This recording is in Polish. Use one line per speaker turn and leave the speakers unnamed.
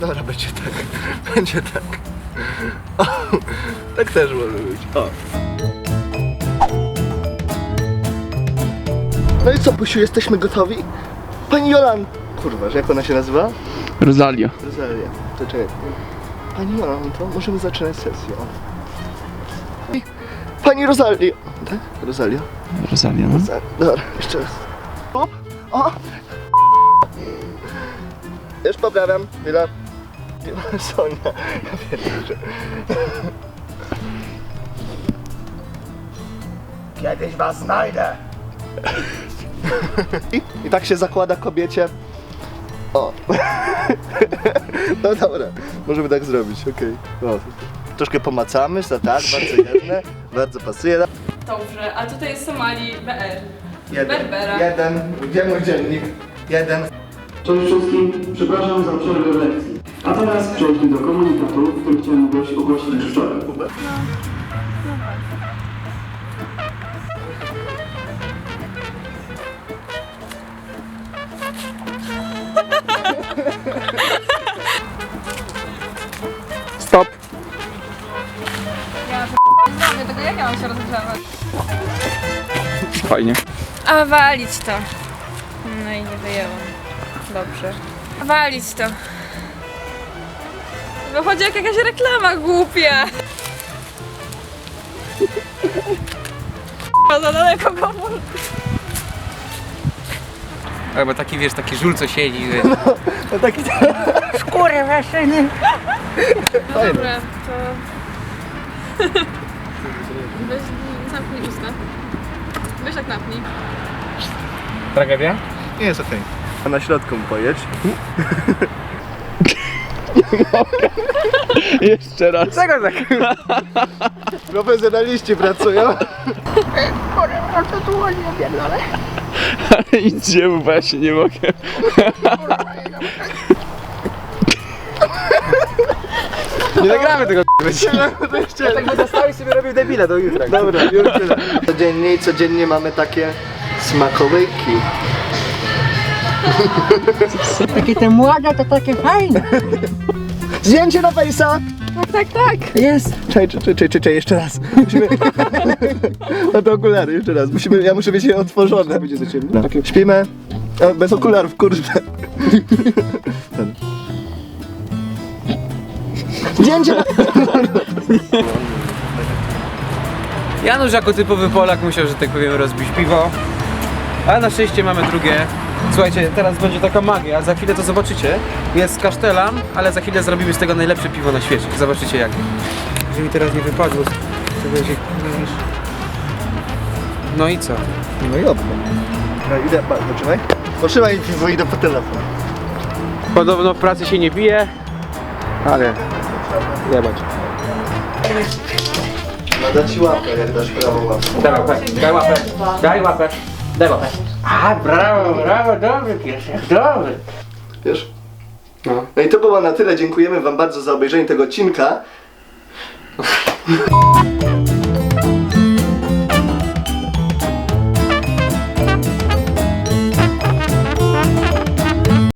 Dobra, będzie tak. Będzie tak. O, tak też może być. O. No i co, Pusiu, jesteśmy gotowi? Pani Jolan... Kurwa, że jak ona się nazywa?
Rosalia.
Rosalia. To czekaj. Pani Jolanto, możemy zaczynać sesję. O. Pani Rosalia. Tak? Rosalia?
Rosalia, no.
Dobra, jeszcze raz. O! O! Już poprawiam. Chwila. Sonia. Ja pierdolę. Kiedyś was znajdę. I tak się zakłada kobiecie. O. No dobra, możemy tak zrobić, okej. Okay. Troszkę pomacamy, to tak, bardzo jedne, bardzo pasuje.
Dobrze, a tutaj jest Somali BR.
Jeden,
Berbera.
jeden, gdzie mój dziennik? Jeden.
Cześć wszystkim, przepraszam za przerwę w lekcji. A teraz przejdźmy do komunikatu, który chciałem ogłosić wczoraj.
Stop.
Ja zrobię tego, jak ja mam się rozgrzewać?
Fajnie.
A walić to. No i nie wyjęłam. Dobrze. Walić to. Wychodzi jak jakaś reklama głupia. Za daleko go.
Albo taki, wiesz, taki żul co siedzi, wiesz.
No taki...
Skórę maszyny. No dobra, to... Weź, zamknij usta. Weź tak napnij.
Tragedia?
Nie jest okej. A na środku pojedź.
Jeszcze raz.
Czego tak?
Profesjonaliści pracują.
Ale idziemy, bo ja się nie mogę.
Nie nagramy tego
Tak
by zostali sobie robił debile do jutra.
Dobra, już tyle. Codziennie mamy takie smakołyki.
Takie te młode to takie fajne.
Zdjęcie na fejsa!
Tak. Jest.
Czekaj, jeszcze raz. Musimy... No to okulary, jeszcze raz. Ja muszę mieć je otworzone. Będzie za ciemno. Śpimy. O, bez okularów, kurde. Ten. Zdjęcie na...
Janusz jako typowy Polak musiał, że tak powiem, rozbić piwo. Ale na szczęście mamy drugie. Słuchajcie, teraz będzie taka magia, za chwilę to zobaczycie. Jest kasztelan, ale za chwilę zrobimy z tego najlepsze piwo na świecie. Zobaczycie jak. Jeżeli teraz nie wypadło, to będzie... No i co?
No i dobrze. No idę, poczekaj. Potrzymaj piwo, idę po telefon.
Podobno w pracy się nie bije, ale... Jebać.
No da ci łapkę, jak dasz prawą łapkę.
Daj łapę, daj łapę, daj łapę, daj łapę. A, brawo, dobry piesek, dobry.
Wiesz?
No.
No i to było na tyle. Dziękujemy wam bardzo za obejrzenie tego odcinka.